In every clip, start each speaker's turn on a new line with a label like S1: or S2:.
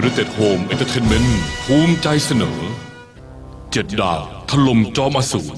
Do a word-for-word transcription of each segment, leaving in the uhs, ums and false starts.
S1: United Home Entertainment ภูมิใจเสนอเจ็ดดาวถล่มจอมอสูร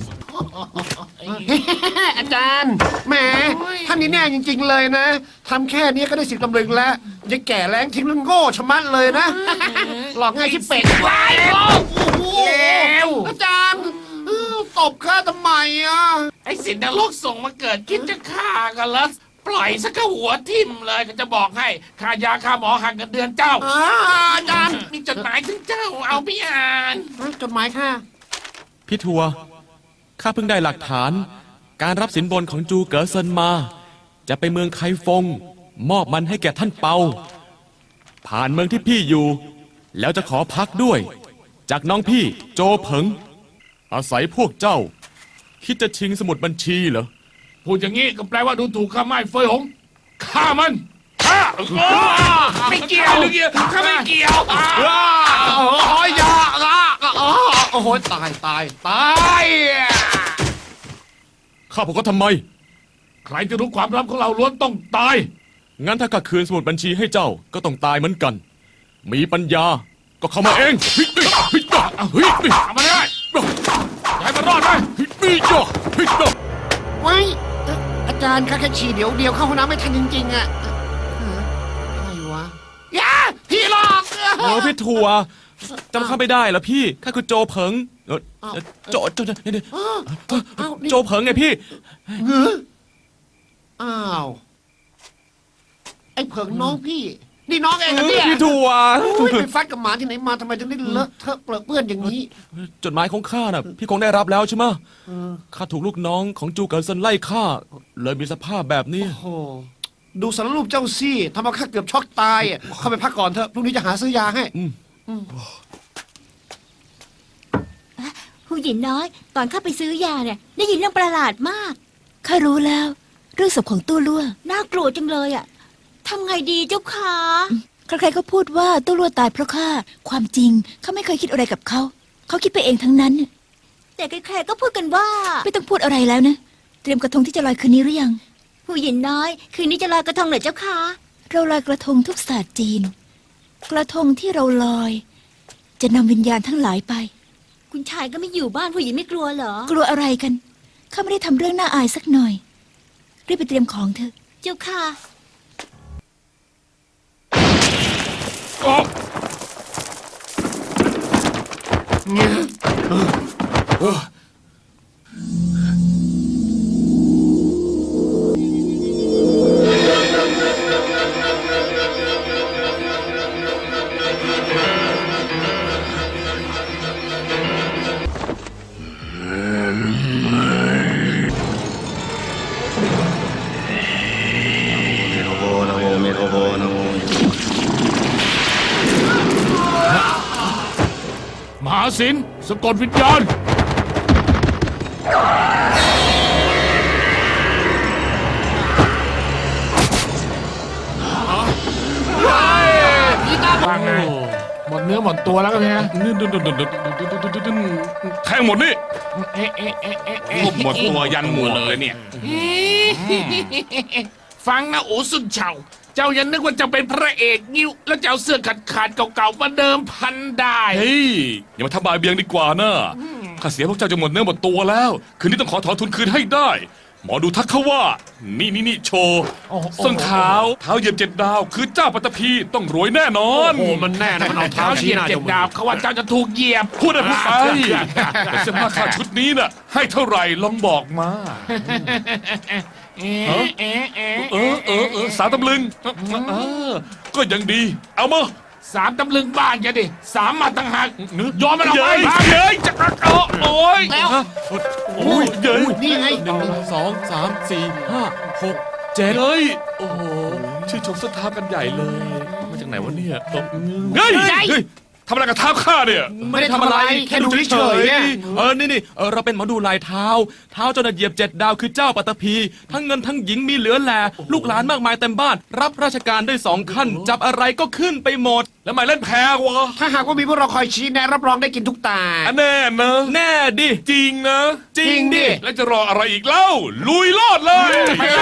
S2: อาจารย์แหมท่านนี่แน่จริงๆเลยนะทำแค่นี้ก็ได้สิบตำลึงแล้วยังแก่แรงทิ้งแล้วโง่ชะมัดเลยนะ หลอกง่ายที่เป็ดวายโอ้โหอาจารย์เออตบข้าทำไมอ่ะ
S3: ไอ้สินนรกส่งมาเกิดคิดจะฆ่ากันแล้วปล่อยสักกะหัวทิ่มเลยก็จะบอกให้ค่ายาค่าหมอหักเงินเดือนเจ้า
S2: อ่าอาจารย์
S3: มีจดหมายถึงเจ้าเอาไปอ่าน
S2: จดหมายค่ะ
S4: พี่ทัวข้าเพิ่งได้หลักฐานการรับสินบนของจูเก๋อเซินมา จะไปเมืองไคฟงมอบมันให้แก่ท่านเปาผ่านเมืองที่พี่อยู่ แล้วจะขอพักด้วย จากน้องพี่โจเผิง อาศัยพวกเจ้า คิดจะชิงสมุดบัญชีเหรอ
S3: พูดอย่างนี้ก็แปลว่าดูถูกข้าไม่เฟยหงฆ่ามันฆ่าไม่เกี่ยวไม่เกี่ยวข้าไม่เกี่ยว
S2: โอ้ยยาอ่ะโอ้โหตายตายตาย
S4: ข้าพวกเขาทำไม
S3: ใครจะรู้ความลับของเราล้วนต้องตาย
S4: งั้นถ้าข้าคืนสมุดบัญชีให้เจ้าก็ต้องตายเหมือนกัน มีปัญญาก็เข้ามาเองเฮ้ยเฮ้ยเฮ้ยเฮ้ยเฮ้ย
S3: ทำมาได้อย่าให้มันรอดไป
S4: เฮ้ยเฮ้ยเฮ้ย
S2: ไว้อาจารย์ข้าแค่ฉี่เดี๋ยวเดียวเข้าห้องน้ำไม่ทันจริงๆอ่ะใครวะยาพี่หลอก
S4: เออพี่ทัวจำข้าไม่ได้เหรอพี่ข้าคือโจเผิงเออโจโจโจเนี่ยโจเผิงไงพี่
S2: อ้าวไอ้เผิงน้องพี่ นี่น้องเองนะเนี่ย
S4: พี่ทัว
S2: โอ้ยไปฟัดกับหมาที่ไหนมาทำไมถึงได้เลอะเทอะเปรอะเปื้อนอย่างนี้
S4: จดหมายของข้าน่ะพี่คงได้รับแล้วใช่ไหมข้าถูกลูกน้องของจูเกิลเซินไล่ฆ่าเลยมีสภาพแบบนี้
S2: โอ้โหดูสารรูปเจ้าซี่ทำเอาข้าเกือบช็อกตายอ่ะเข้าไปพักก่อนเถอะพรุ่งนี้จะหาซื้อยาให้
S5: ผู้หญิงน้อย ตอนเข้าไปซื้อยาเนี่ยได้ยินเรื่องประหลาดมากข้ารู้แล้ว เรื่องศพของตู้ลั่วน่ากลัวจังเลยอ่ะทำไงดีเจ้าคะใครๆก็พูดว่าตู้ลั่วตายเพราะข้าความจริงเขาไม่เคยคิดอะไรกับเขาเขาคิดไปเองทั้งนั้น แต่ใครๆก็พูดกันว่าไม่ต้องพูดอะไรแล้วนะเตรียมกระทงที่จะลอยคืนนี้หรือยังผู้หญิงน้อยคืนนี้จะลอยกระทงเหรอเจ้าคะเราลอยกระทงทุกศาสตร์จีน กระทงที่เราลอย จะนำวิญญาณทั้งหลายไปคุณชายก็ไม่อยู่บ้านผู้หญิงไม่กลัวเหรอกลัวอะไรกันข้าไม่ได้ทำเรื่องน่าอายสักหน่อยรีบไปเตรียมของเถอะเจ้าค่ะ
S3: มหาศิลป์สะกดวิญญาณฟังไงหมดเนื้อหมดตัวแล้วกันเนี่ย
S1: แทงหมดนี่
S3: เอ๊ะเอ๊ะเอ๊ะเอ๊ะเอ๊ะ
S1: หมดตัวยันหมวกเลยเนี่ย
S3: ฟังนะโอสุนเฉาเจ้าอยังนึกว่าจะเป็นพระเอกงิ้วแล้วจะเอาเสื้อขาดขาดๆเก่าๆมาเดิมพันได้
S1: เฮ้ยอย่ามาทำบายเบียงดีกว่านะข้าเสียพวกเจ้าจะหมดเนื้อหมดตัวแล้ว คืนนี้ต้องขอถอนทุนคืนให้ได้ หมอดูทักเขาว่า นี่นี่นี่โชว์ส้นเท้าเท้าเหยียบเจ็ดดาว คือเจ้าปัตตภีต้องรวยแน่นอน
S2: โอ้มันแน่นะมันเอาเท้า
S3: เท้าเห
S2: ชี้
S3: ยีย
S2: ห
S3: บ
S2: น้า
S3: เจ็
S2: จ
S3: บ
S2: มูก
S3: ดาบเขาว่าเจ้าจะถูกเหยียบ
S1: พูดได้พูดไปแต่เสื้อผ้าค่าชุดนี้น่ะ ให้เท่าไหร่ลองบอกมา
S3: เอ๊ะเอ๊ะเอ๊ะ
S1: เออเออเออสามตำลึงเออก็ยังดี เอามา
S3: สามตำลึงบ้านแกดิสามมาตั้งหากยอมมันออก
S1: เย้
S3: ไป
S1: ยเย้ยจะกักเอาโอ้ย
S2: แล้ว
S1: โอ้ยเย้ย
S2: นี่ไง
S4: หนึ่งสองสามสี่ห้าหกเจ็ด
S1: เย้ยโอ้โหชื่นชมส้นเท้ากันใหญ่เลยมาจากไหนวะเนี่ยตบเฮ้ยเฮ้ยทำอะไรกับเท้าข้าเนี่ย
S2: ไม่ได้ทำอะไรแค่ดูเฉยๆเนี่ย
S4: เออนี่นี่เออเราเป็นหมอดูลายเท้า เท้าเจ้าน่ะเหยียบเจ็ดดาวคือเจ้าปัตตภีทั้งเงินทั้งหญิงมีเหลือแลลูกหลานมากมายเต็มบ้าน รับราชการได้สองขั้น จับอะไรก็ขึ้นไปหมด
S1: แล้วหมายเล่นแพ้วะ
S2: ถ้าหากว่ามีพวกเราคอยชี้แนะรับรองได้กินทุกตา
S1: อันแน่นะ
S4: แน่ดิ
S1: จริงนะ
S4: จริงดิ
S1: แล้วจะรออะไรอีกเล่า ลุยโลดเลย
S2: ไปเล